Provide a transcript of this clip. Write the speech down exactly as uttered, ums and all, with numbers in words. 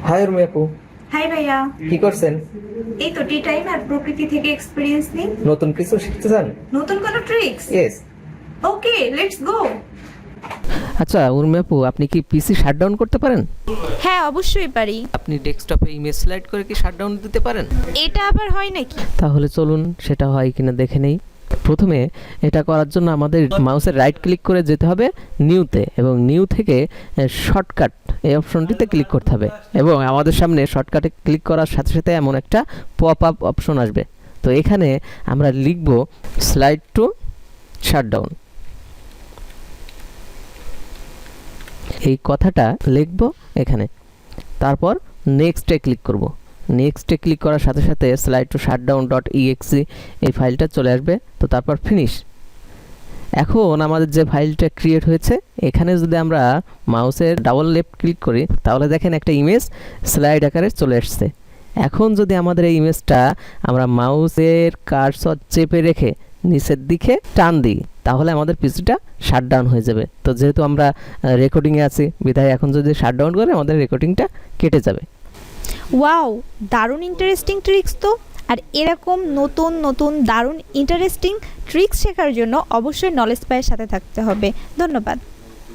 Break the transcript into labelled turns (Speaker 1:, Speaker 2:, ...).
Speaker 1: High Urmi আপু,
Speaker 2: high ভাইয়া।
Speaker 1: কি করছেন?
Speaker 2: এই তো টি টাইম আর প্রকৃতি থেকে এক্সপেরিয়েন্স নিন।
Speaker 1: নতুন কিছু শিখতে চান?
Speaker 2: নতুন কোনো tricks?
Speaker 1: Yes.
Speaker 2: Okay, let's go.
Speaker 3: আচ্ছা উর্মি আপু, আপনি কি পিসি শাটডাউন করতে পারেন?
Speaker 2: হ্যাঁ, অবশ্যই পারি।
Speaker 3: আপনি ডেস্কটপে ইমেজ স্লাইড করে কি শাটডাউন দিতে পারেন?
Speaker 2: এটা আবার হয় নাকি?
Speaker 3: তাহলে চলুন সেটা হয় কিনা দেখে নেই। প্রথমে এটা করার জন্য আমাদের মাউসের রাইট ক্লিক করে যেতে হবে নিউতে, এবং নিউ থেকে শর্টকাট এই অপশনটিতে ক্লিক করতে হবে, এবং আমাদের সামনে শর্টকাটে ক্লিক করার সাথে সাথে এমন একটা পপ আপ অপশন আসবে। তো এখানে আমরা লিখব স্লাইড টু শাটডাউন, এই কথাটা লিখব এখানে। তারপর নেক্সটে ক্লিক করব। নেক্সটে ক্লিক করার সাথে সাথে slide to shutdown dot exe এই ফাইলটা চলে আসবে। তো তারপর ফিনিশ। এখন আমাদের যে ফাইলটা ক্রিয়েট হয়েছে, এখানে যদি আমরা মাউসের ডাবল লেফট ক্লিক করি তাহলে দেখেন একটা ইমেজ স্লাইড আকারে চলে আসছে। এখন যদি আমাদের এই ইমেজটা আমরা মাউসের কার্সর চেপে রেখে নিচের দিকে টান দিই তাহলে আমাদের পিসিটা শাটডাউন হয়ে যাবে। তো যেহেতু আমরা রেকর্ডিংয়ে আছি বিধায় এখন যদি শাটডাউন করে আমাদের রেকর্ডিংটা কেটে যাবে।
Speaker 4: ওয়াও, দারুণ ইন্টারেস্টিং ট্রিক্স তো। আর এরকম নতুন নতুন দারুণ ইন্টারেস্টিং ট্রিক্স শেখার জন্য অবশ্যই নলেজ পায়ের সাথে থাকতে হবে। ধন্যবাদ।